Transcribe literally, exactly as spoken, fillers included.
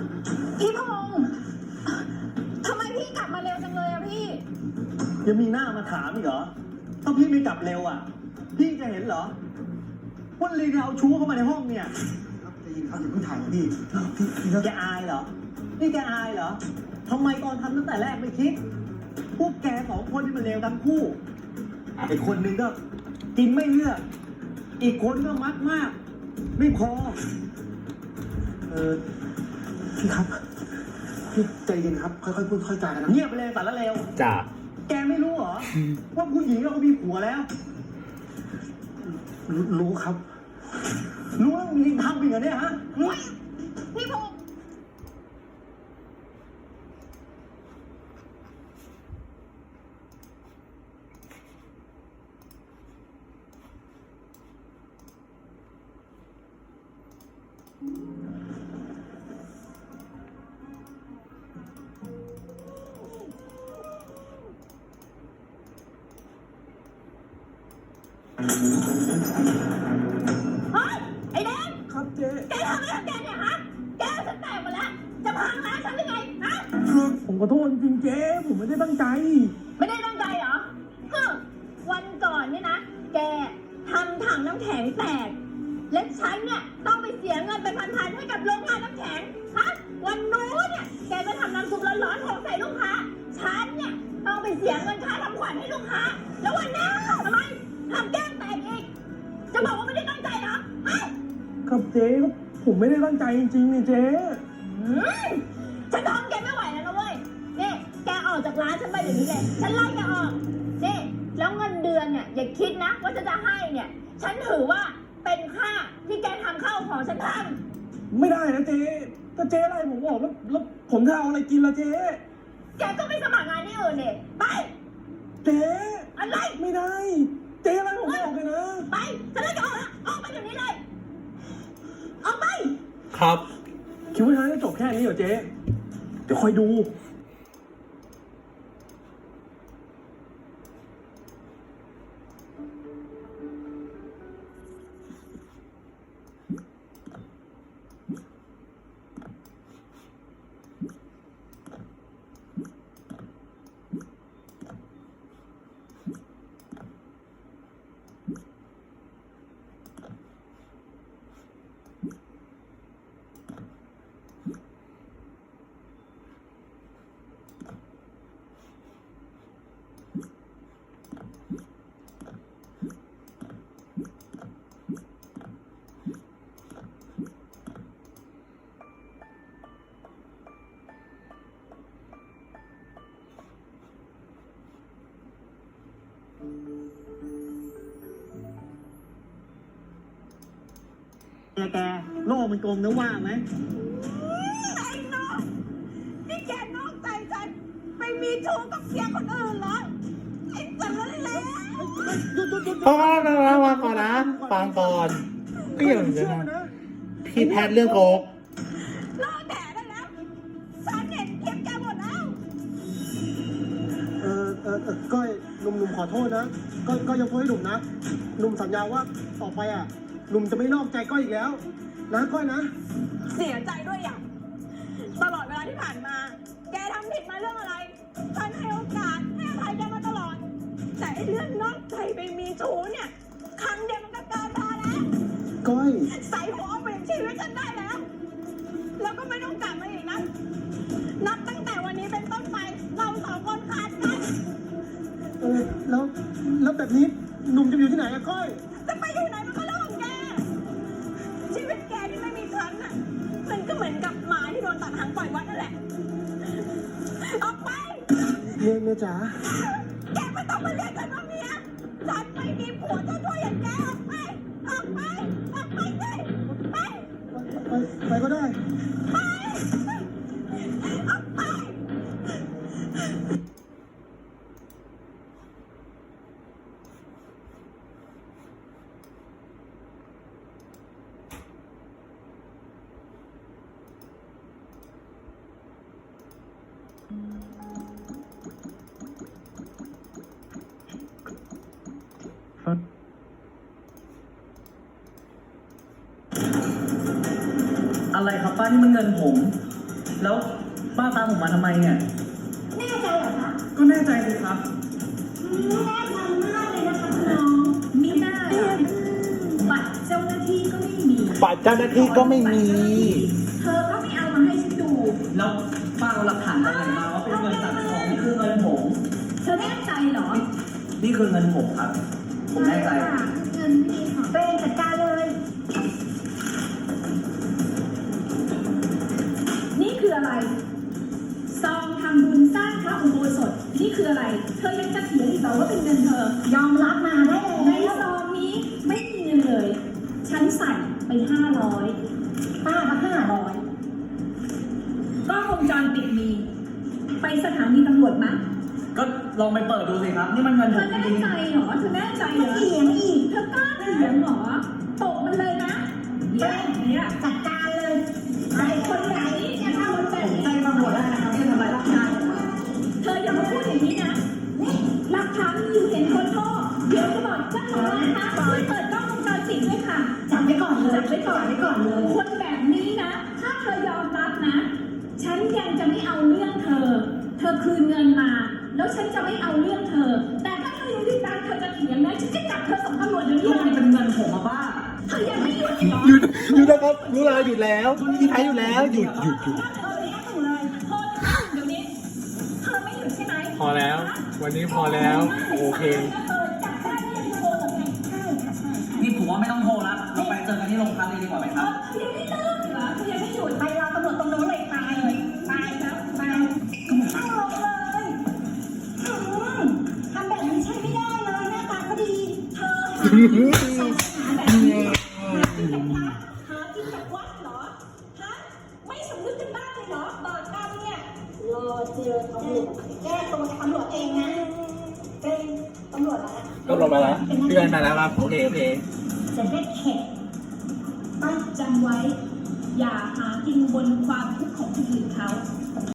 พี่พงษ์ทำไมพี่กลับมาเร็วจังเลยอะพี่ยังมีหน้ามาถามอีกเหรอถ้าพี่ไม่กลับเร็วอ่ะ พี่จะเห็นเหรอว่าลีนเอาชู้เข้ามาในห้องเนี่ยครับจะยินครับอย่าเพิ่งถ่ายนะพี่พี่พี่แกอายเหรอ นี่แกอายเหรอทำไมตอนทำตั้งแต่แรกไม่คิด พวกแกสองคนที่มันเลวทั้งคู่ไอ้คนหนึ่งก็กินไม่เลือก อีกคนก็มักมาก ไม่พอเออพี่ครับพี่ใจเย็นครับค่อยๆพูดค่อยๆจากันนะเงียบไปเลยสารเลวจ้าแกไม่รู้เหรอ ว่าผู้หญิงเราก็มีผัวแล้วรู้รู้ครับรู้ว่ามีทำอีกเหรอเนี่ยฮะพี่พงษ์เฮ้ยไอ้แดงครับเจ๊แกทำอะไรกับแกเนี่ยฮะ แกฉันแตกหมดแล้ว จะพังร้านฉันหรือไงฮะผมขอโทษจริงๆเจ๊ผมไม่ได้ตั้งใจไม่ได้ตั้งใจเหรอฮึวันก่อนเนี่ยนะ แกทำถังน้ำแข็งแตก และฉันเนี่ยต้องไปเสียเงินเป็นพันๆให้กับโรงงานน้ำแข็ง ฮะ วันนู้นเนี่ย แกก็ทำน้ำซุปร้อนๆหกใส่ลูกค้า ฉันเนี่ยต้องไปเสียเงินค่าทำขวัญให้ลูกค้า แล้ววันนี้ทำไมทำแก้มแตกอีก จะบอกว่าไม่ได้ตั้งใจเหรอฮะครับเจ๊ก็ผมไม่ได้ตั้งใจจริงๆนี่เจ๊อืมฉันทนแกไม่ไหวแล้วนะเว้ย นี่แกออกจากร้านฉันไปเดี๋ยวนี้เลย ฉันไล่แกออก นี่แล้วเงินเดือนเนี่ยอย่าคิดนะว่าฉันจะให้เนี่ย ฉันถือว่าเป็นค่าที่แกทำข้าวของฉันทไม่ได้นะเจ๊ถ้าเจ๊อะไรผมบอกแล้วแล้วผมจะเอาอะไรกินล่ะเจ๊ำแกก็ไปสมัครงานที่อื่นเนี่ยไปเจ๊อะไรไม่ได้ เจ๊อะไรผมบอกเลยนะไป ฉันไล่แกออกแล้วออกไปเดี๋ยวนี้เลย ออกไปครับคิดว่าทางจะจบแค่นี้เหรอเจ๊เดี๋ยวคอยดูแกแกโลกมันกลมนะว่าไหมไอ้น้องนี่แกนอกใจฉันไปมีชู้กับเสียคนอื่นเหรอ ไอ้สันเลวเพราะว่าเราฟังก่อนนะฟังก่อนก็อย่างนี้นะพี่แพทย์เรื่องโกกเลิกแดดได้แล้ว ฉันเห็นคลิปแกหมดแล้วเออเออเออก้อยหนุ่มหนุ่มขอโทษนะก้อยก้อยยกโทษให้หนุ่มนะหนุ่มสัญญาว่าต่อไปอ่ะหนุ่มจะไม่นอกใจก้อยอีกแล้ว นะก้อยนะเสียใจด้วยอย่างตลอดเวลาที่ผ่านมา แกทำผิดมาเรื่องอะไร ฉันให้โอกาสให้อภัยแกมาตลอด แต่ไอ้เรื่องนอกใจไปมีชู้เนี่ย ครั้งเดียวมันก็เกินพอแล้วก้อยใส่หัวเอาเปลี่ยนชีวิตฉันได้แล้ว แล้วก็ไม่ต้องกลับมาอีกนะ นับตั้งแต่วันนี้เป็นต้นไป เราสองคนขาดกันเออแล้วแล้วแบบนี้หนุ่มจะอยู่ที่ไหนอะก้อยจะไปอยู่ไหนมันก็เรื่องของแก ชีวิตแกที่ไม่มีฉันน่ะ มันก็เหมือนกับหมาที่โดนตัดหางปล่อยวัดนั่นแหละ ออกไปเมียเมียจ๋าแกไม่ต้องมาเรียกฉันว่าเมีย ฉันไม่มีผัวเจ้าช่วยอย่างแกออกไป ออกไป ออกไปเลย ไปไปไปก็ได้ไป ออกไปอะไรครับป้านี่มันเงินผมแล้วป้าตามผมมาทำไมเนี่ยแน่ใจเหรอคะก็แน่ใจสิครับอืมแน่ใจมากเลยนะคะคุณน้องมีหน้าเหรอบัตรเจ้าหน้าที่ก็ไม่มีบัตรเจ้าหน้าที่ก็ไม่มีเธอก็ไม่เอามาให้ฉันดูแล้วป้าเอาหลักฐานอะไรมาว่าเป็นเงินสั่งของนี่คือเงินผมเธอแน่ใจเหรอนี่คือเงินผมครับ ผมแน่ใจค่ะเงินพี่ของตัวเองจัดการเลย นี่คืออะไร ซองทำบุญสร้างพระอุโบสถ นี่คืออะไร เธอยังจะเถียงอีกเหรอว่าเป็นเงินเธอ ยอมรับมาได้เลยในซองนี้ไม่มีเงินเลย ฉันใส่ไปห้าร้อยป้าก็ห้าร้อยกล้องวงจรปิดมี ไปสถานีตำรวจมั้ยก็ลองไปเปิดดูสิครับ นี่มันเงินเธผอมจแน่ริงใจเหรอ เธอแน่ใจเหรอเถียงอีก เธอกล้าเถียงเหรอตกมันเลยนะเย้เนี่ยจัดการเลยไอ้คนแบบนี้เนี่ยทำคนแบบผมนี้แจ้งตำรวจได้นะครับที่ทำลายร่างกายผมเธออย่ามาพูดอย่างนี้นะนี่หลักฐานมีอยู่เห็นคนโทษเดี๋ยวจะบอกเจ้าของร้านนะช่วยเปิดกล้องวงจรปิดด้วยค่ะจับไว้ก่อนเลยจับไว้ก่อนไว้ก่อนเลย คนแบบนี้นะ ถ้าเธอยอมรับนะ ฉันยังจะไม่เอาเรื่องเธอ เธอคืนเงินมา แล้วฉันจะไม่เอาเรื่องเธอ แต่ถ้าเธอยังยืนยันเธอจะเถียงนะฉันจะจับเธอส่งตำรวจเดี๋ยวนี้ก็เลมันยเป็นเงินผมอะป้าเธอยังไม่หยุดอีกเหรอหยุดหยุดนะครับรู้แล้วหยุดแล้วพี่ไทยหยุดแล้วหยุดหยุดหยุดเธอไม่ต้องเลยโทษนะเดี๋ยวนี้ เธอไม่หยุดใช่ไหมพอแล้ว วันนี้พอแล้ว โอเคเออจับได้ไม่ยังโกหกไงใช่ค่ะใช่นี่ผมว่าไม่ต้องโทรแล้วเราไปเจอกันที่โรงพักเลยดีกว่าไหมคเอรับอเธอยังไม่เลิกเหรอเธอยังไม่หยุดไปรอตำรวจตรงโน้นเลยตายเลยตายแล้วตายเข้าลงเลยอืมทำแบบนี้ใช้ไม่ได้เลยหน้าตาก็ดี เธอหาหาแบบนี้หากินกับพระหากินกับวัดเหรอฮะไม่สำนึกกันบ้างเลยเหรอบาปกรรมเนี่ยรอเจอตำรวจแก้ตัวกับตำรวจเองนะเป็นตำรวจอะไรก็ลงมาแล้วพี่ไทยมาแล้วครับ โอเค โอเคจะได้แขกต้องจำไว้ อย่าหากินบนความทุกข์ของคนอื่นเขา